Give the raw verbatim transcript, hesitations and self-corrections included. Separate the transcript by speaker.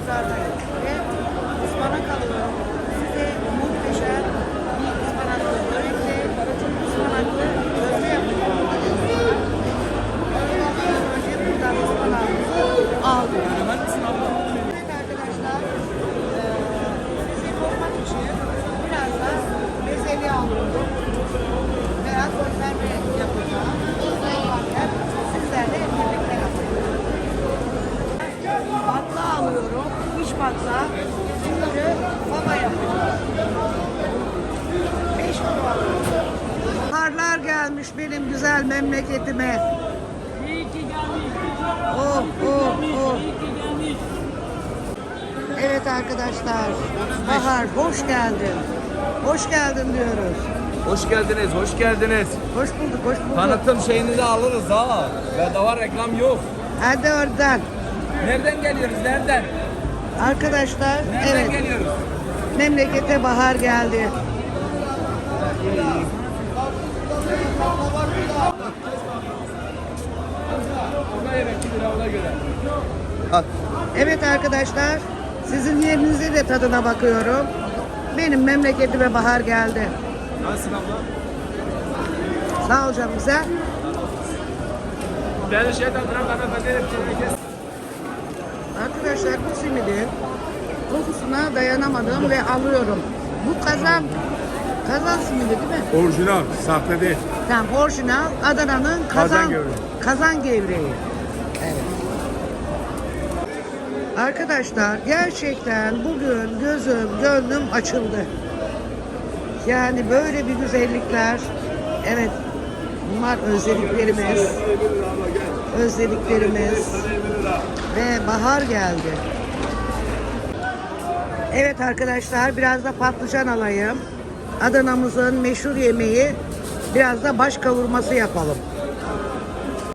Speaker 1: Pazar'dayım ve ıspanak alıyorum. Size muhteşem bir ıspanaklı börekle ıspanaklı köfte yapıyorum. Önce buradan ıspanağımızı aldım. Evet arkadaşlar, eee, size koymak için biraz da bezelye alıyorum. Veya konserve yapacağım. Yaparken sizlerle birlikte yapıyorum. Batla alıyorum. İç batla. Bunları fava yapıyorum. beş kilo alıyorum. Baharlar gelmiş benim güzel memleketime.
Speaker 2: İyi ki gelmiş.
Speaker 1: Oh oh oh.
Speaker 2: İyi ki gelmiş.
Speaker 1: Evet arkadaşlar. Bahar hoş geldin. Hoş geldin diyoruz.
Speaker 3: Hoş geldiniz, hoş geldiniz.
Speaker 1: Hoş bulduk, hoş bulduk.
Speaker 3: Tanıtım şeyinizi alırız ha. Bedava reklam yok.
Speaker 1: Hadi oradan.
Speaker 3: Nereden geliyoruz, nereden?
Speaker 1: Arkadaşlar,
Speaker 3: Nereden
Speaker 1: evet.
Speaker 3: geliyoruz?
Speaker 1: Memlekete bahar geldi.
Speaker 3: Ona evet, bir lira ona göre.
Speaker 1: Evet arkadaşlar, sizin yerinize de tadına bakıyorum. Benim memleketime bahar geldi.
Speaker 3: Nasılsın abla?
Speaker 1: Sağ ol canım, güzel.
Speaker 3: Ben şeyden bırak hanımefendi.
Speaker 1: Arkadaşlar bu simidin kokusuna dayanamadım ve alıyorum. Bu kazan, kazan simidi değil mi?
Speaker 4: Orijinal, sahte değil.
Speaker 1: Tamam, orijinal Adana'nın kazan,
Speaker 4: Kazan gevreği.
Speaker 1: kazan gevreği. Evet. Arkadaşlar gerçekten bugün gözüm, gönlüm açıldı. Yani böyle bir güzellikler, evet bunlar özlediklerimiz, özlediklerimiz ve bahar geldi. Evet arkadaşlar biraz da patlıcan alayım. Adana'mızın meşhur yemeği biraz da baş kavurması yapalım.